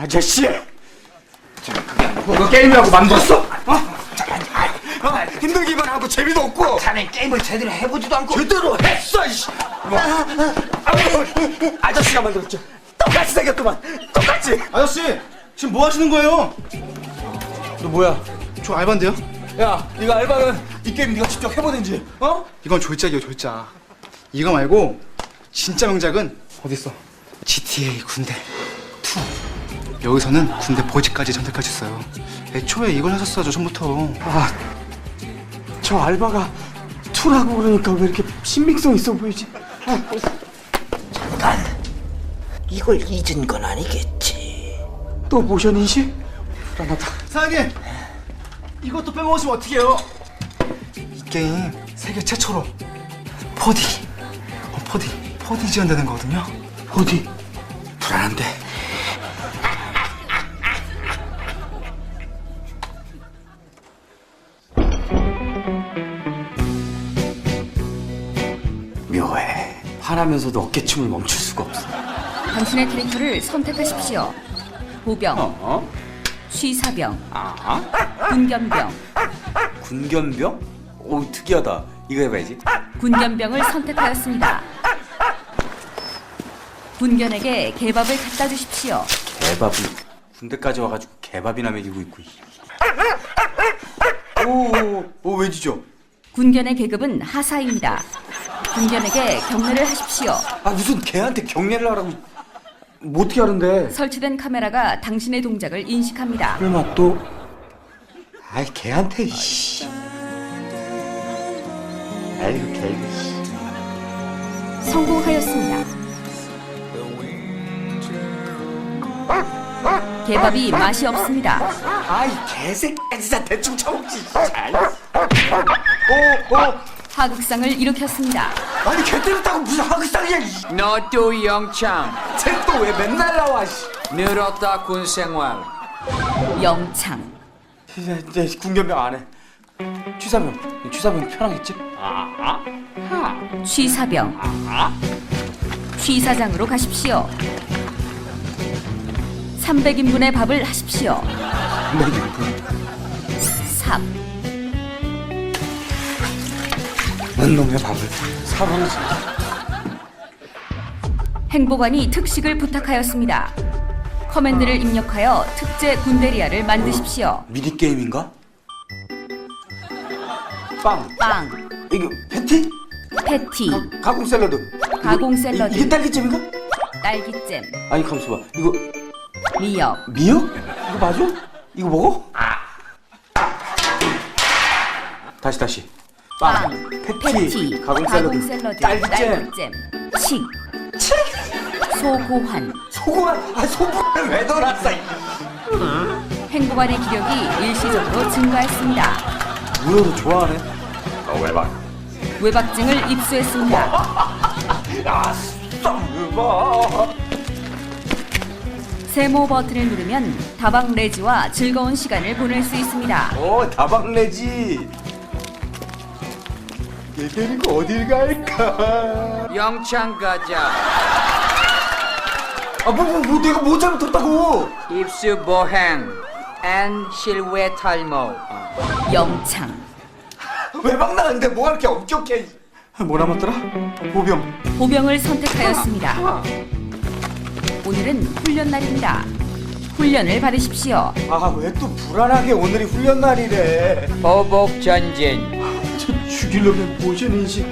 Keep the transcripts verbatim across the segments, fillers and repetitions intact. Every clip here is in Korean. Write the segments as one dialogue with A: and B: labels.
A: 아저씨! 저 그게 아니고 너 게임이라고 만들었어? 어? 어? 힘들기만 하고 재미도 없고
B: 자네 게임을 제대로 해보지도 않고
A: 제대로 했어 이씨! 뭐. 아저씨가 만들었죠. 똑같이 생겼더만 똑같이.
C: 아저씨 지금 뭐 하시는 거예요?
A: 너 뭐야?
C: 저 알바인데요?
A: 야 네가 알바는 이 게임 네가 직접 해보든지 어?
C: 이건 졸작이에요 졸작. 이거 말고 진짜 명작은 어딨어? 지티에이 군대 투. 여기서는 군대 보직까지 선택할 수 있어요. 애초에 이걸 하셨어야죠 처음부터.
A: 아, 저 알바가 투라고 그러니까 왜 이렇게 신빙성 있어 보이지?
B: 잠깐 이걸 잊은 건 아니겠지.
A: 또 모션 인식? 불안하다.
C: 사장님 이것도 빼먹으시면 어떡해요? 이 게임 세계 최초로 포디 어, 포디 포디 지원되는 거거든요.
A: 어디? 불안한데. 묘해. 화나면서도 어깨춤을 멈출 수가 없어.
D: 당신의 캐릭터를 선택하십시오. 보병,
A: 어?
D: 취사병,
A: 아?
D: 군견병.
A: 군견병? 오 특이하다. 이거 해봐야지.
D: 군견병을 선택하였습니다. 군견에게 개밥을 갖다 주십시오.
A: 개밥을 군대까지 와가지고 개밥이나 먹이고 있고. 오오오 오, 왠지죠?
D: 군견의 계급은 하사입니다. 군견에게 경례를 하십시오.
A: 아 무슨 개한테 경례를 하라고. 뭐 어떻게 하는데?
D: 설치된 카메라가 당신의 동작을 인식합니다.
A: 설마 또? 아이 개한테 씨. 아이고 개 이거 씨.
D: 성공하였습니다. 개밥이 맛이 없습니다.
A: 아이 개새끼 진짜 대충 처먹지. 오오
D: 하극상을 일으켰습니다.
A: 아니 개 때렸다고 무슨 하극상이야.
E: 너도 영창
A: 쟤또 왜 맨날 나와 씨.
E: 늘었다 군생활.
D: 영창.
A: 진짜 진짜 군견병 안 해. 취사병 취사병 편하겠지? 아,
D: 취사병. 취사장으로 가십시오. 삼백 인분의 밥을 하십시오. 삽.
A: 넌 놈의 밥을 사방을
D: 행보관이 특식을 부탁하였습니다. 커맨드를 입력하여 특제 군대리아를 만드십시오.
A: 미니 게임인가? 빵
D: 빵,
A: 이거 패티?
D: 패티,
A: 가공 샐러드.
D: 가공
A: 이-
D: 샐러드.
A: 이게 딸기잼인가?
D: 딸기잼,
A: 아니 가만있어 봐. 이거
D: 미역,
A: 미역? 이거 맞아? 이거 먹어? 다시 다시.
D: 빵,
A: 패티,
D: 패티,
A: 가공 샐러드, 딸기잼.
D: 딸기잼, 칡, 소고환.
A: 소고만 아 소고만 왜 넣어놨어?
D: 행보관의 기력이 일시적으로 증가했습니다.
A: 문어도 좋아하네. 어 외박.
D: 외박증을 입수했습니다.
A: 야 썸봐.
D: 세모 버튼을 누르면 다방 레지와 즐거운 시간을 보낼 수 있습니다.
A: 오 다방레지. 얘 데리고 어딜 갈까?
E: 영창 가자.
A: 아뭐 뭐 뭐 내가 뭐 잘못했다고?
E: 입수 보행 앤 실외 탈모.
D: 영창.
A: 외박 나는데 뭐가 이렇게 엄격해? 뭐 남았더라? 보병.
D: 보병을 선택하였습니다. 오늘은 훈련 날입니다. 훈련을 받으십시오.
A: 아 왜 또 불안하게 오늘이 훈련 날이래?
E: 보복 전진.
A: 저 죽이려면 모션 인식.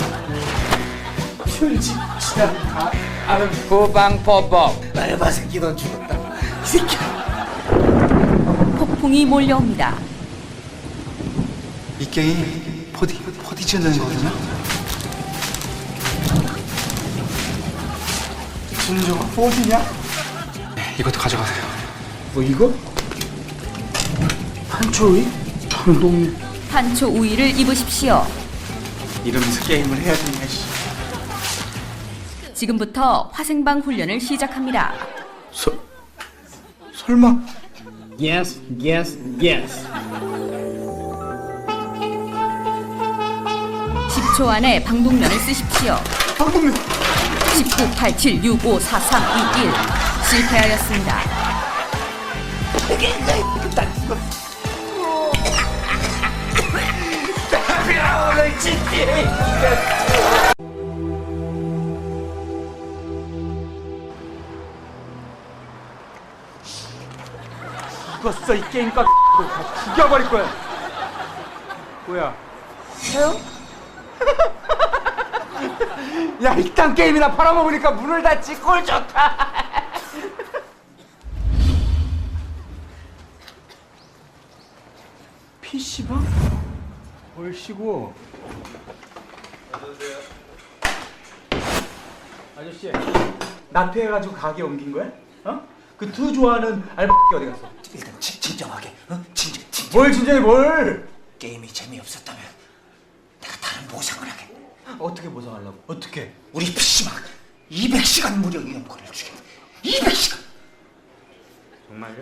A: 펼지 지나 가. 아유
E: 후방 보복.
A: 알바 새끼 넌 죽었다. 이 새끼야.
D: 폭풍이 몰려옵니다.
C: 이 게임 포디 포디 지원되는 거거든요.
A: 진정아 어디냐?
C: 네, 이것도 가져가세요.
A: 뭐 이거? 한초이? 장동민.
D: 판초 우위를 입으십시오.
A: 이러면서 게임을 해야 되냐 씨.
D: 지금부터 화생방 훈련을 시작합니다.
A: 서 설마?
F: Yes, yes, yes.
D: 십 초 안에 방독면을 쓰십시오.
A: 방금면
D: 십구, 팔, 칠, 육, 오, 사, 삼, 이, 일. 실패하였습니다.
B: 되겠네. 난 이거 오늘 지티에이
A: 죽었어 이 게임 깍 다 죽여버릴 거야. 뭐야? 해요? 야 일단 게임이나 팔아먹으니까 문을 닫지. 꼴 좋다. 피시방? 얼씨구. 아저씨 나태해가지고 가게 옮긴 거야? 어? 그 투 좋아하는 알바 어디 갔어?
B: 일단 진, 진정하게. 어? 진정 진정.
A: 뭘 진짜해 뭘?
B: 게임이 재미없었다면 내가 다른 보상을 하겠네.
A: 어떻게 보상하려고? 어떻게?
B: 우리 피시방 이백 시간 무료 이용권을 주겠네. 이백 시간.
A: 정말요?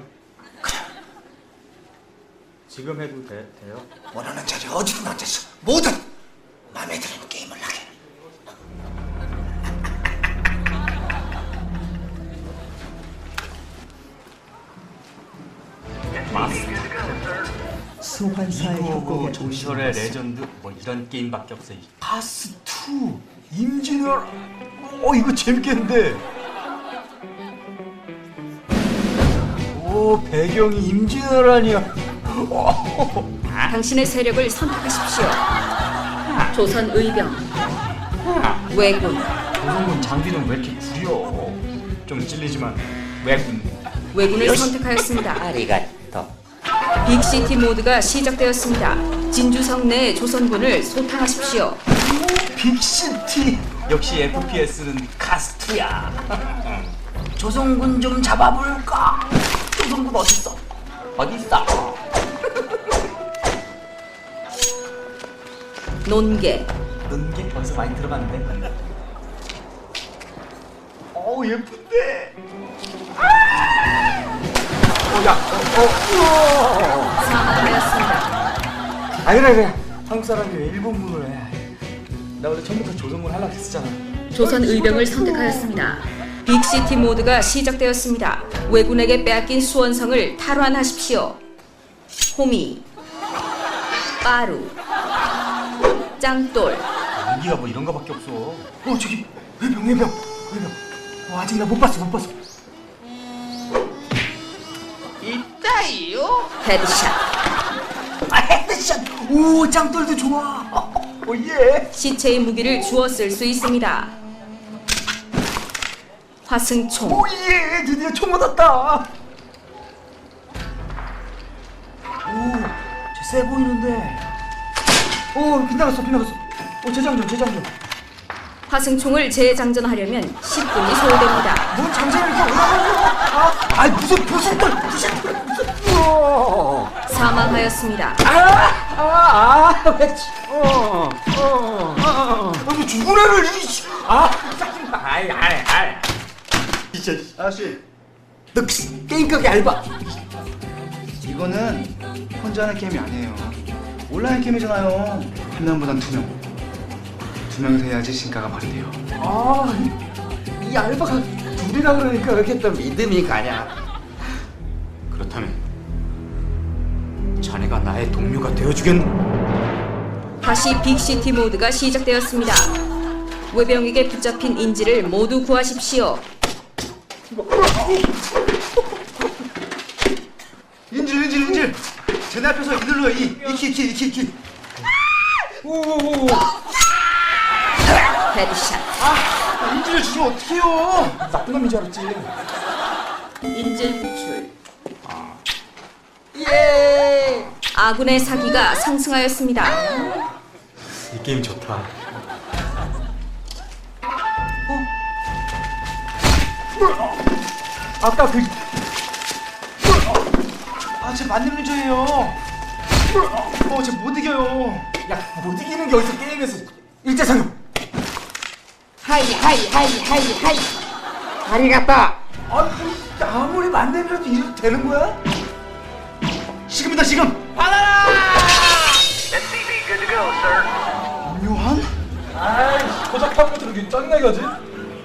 A: 지금 해도 돼, 돼요?
B: 원하는 자리 어디든 앉아서 뭐든 마음에 드는 게임을 하게.
A: 소환사의 효과가 전설의 레전드 뭐 이런 게임밖에 없어. 파스 투 임진왜란. 어 이거 재밌겠는데. 오 배경이 임진왜란이야.
D: 당신의 세력을 선택하십시오. 조선 의병, 왜군,
A: 조선군 장비는 왜 이렇게 구려? 좀 찔리지만 왜군?
D: 왜군을 선택하였습니다.
B: 아리가또.
D: 빅시티 모드가 시작되었습니다. 진주성 내 조선군을 소탕하십시오.
A: 빅시티. 역시 에프피에스는 카스트야.
B: 조선군 좀 잡아볼까? 조선군 어딨어? 어딨어?
D: 논계,
A: 는게 벌써 많이 들어봤는데. 어우 예쁜데. 어야 어, 어,
D: 사망하였습니다.
A: 아 그래 그래. 한국 사람이 왜 일본문을 해? 나 원래 처음부터 조선문 하려고 했었잖아.
D: 조선 의병을 선택하였습니다. 빅시티 모드가 시작되었습니다. 왜군에게 빼앗긴 수원성을 탈환하십시오. 호미, 빠루, 짱돌,
A: 연기가 뭐 이런 거밖에 없어. 어 저기 외병 외병 외병. 어, 아직 나 못 봤어 못 봤어.
D: 헤드샷,
B: 아 헤드샷. 오 짱돌도 좋아.
A: 오예.
D: 시체의 무기를 주워 쓸 수 있습니다. 화승총,
A: 오예 드디어 총 얻었다. 오쟤 세 보이는데. 오 빗나갔어 빗나갔어. 오 재장전 재장전.
D: 화승총을 재장전하려면 십 분이 소요됩니다.
A: 뭔 장전을 이렇게 올라가냐? 아, 아이 무슨 무슨 걸 무슨 걸 무슨. 우와.
D: 사망하였습니다.
A: 아아아왜 어. 어. 아, 뭐 죽은 애를 이. 아, 짜증나. 아이, 아이, 아이. 진짜.
C: 아저씨,
A: 너 게임 가게 알바.
C: 이거는 혼자 하는 게임이 아니에요. 온라인 게임이잖아요. 한 명보단 두 명. 두 명이서 해야지 신가가 발휘돼요.
A: 아, 이, 이 알바가 둘이라 그러니까 이렇게 또 믿음이 가냐? 그렇다면 자네가 나의 동료가 되어주겠나?
D: 다시 빅시티 모드가 시작되었습니다. 외병에게 붙잡힌 인지를 모두 구하십시오.
C: 인질, 인질, 인질. 쟤네 앞에서 이 눌러요. 이, 이키, 이키, 이키, 이키.
A: 오오오.
D: 헤드샷,
C: 아, 인질을 주시면 어떡해요?
A: 나쁜 놈인 줄 알았지.
D: 인질 구출.
A: 예.
D: 아군의 사기가 상승하였습니다.
A: 이 게임 좋다. 아까 그.
C: 아, 쟤 만렙 유저예요. 어, 쟤 못 이겨요.
A: 야, 못 이기는 게 어디서 게임에서 일제상용.
B: 하이 하이 하이 하이 하이. 아리가또.
A: 아, 아무리 만렙이라도 이래도 되는 거야?
C: 지금이다, 지금. 묘한?
A: 아이, 고작하는 것처럼 이렇게 짜증나게 하지?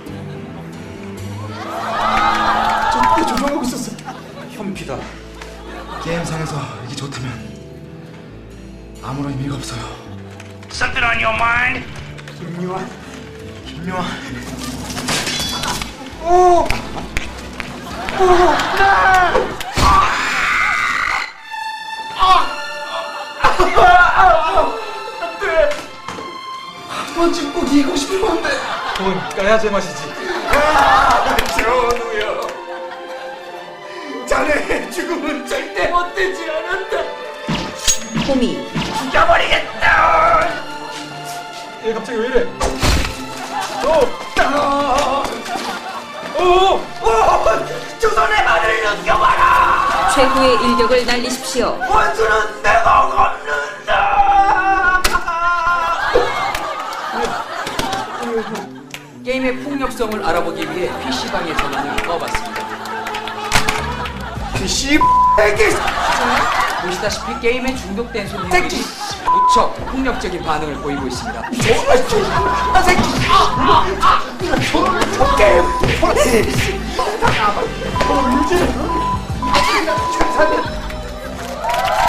A: 저때 조종하고 있었어. 현피다.
C: 세상에서 이게 좋다면 아무런 의미가 없어요.
B: Something on your mind?
C: 김요한, 김요한. 한 번쯤 꼭 이기고 싶은 건데. 돈 까야 제맛이지.
B: 전우요. 자네의 죽음은 절대 헛되지 않았다.
D: 호미,
B: 죽여버리겠다.
C: 얘 갑자기 왜 이래?
B: 조선의 말을 넘겨봐라.
D: 최후의 일격을 날리십시오.
B: 원수는 내가 갚는다.
E: 게임의 폭력성을 알아보기 위해 피씨방의 전원을 꺼봤습니다.
B: 씨 애기.
E: 보시다시피 게임에 중독된 손님들이 무척 폭력적인 반응을 보이고 있습니다.
B: 아 새끼. 게임.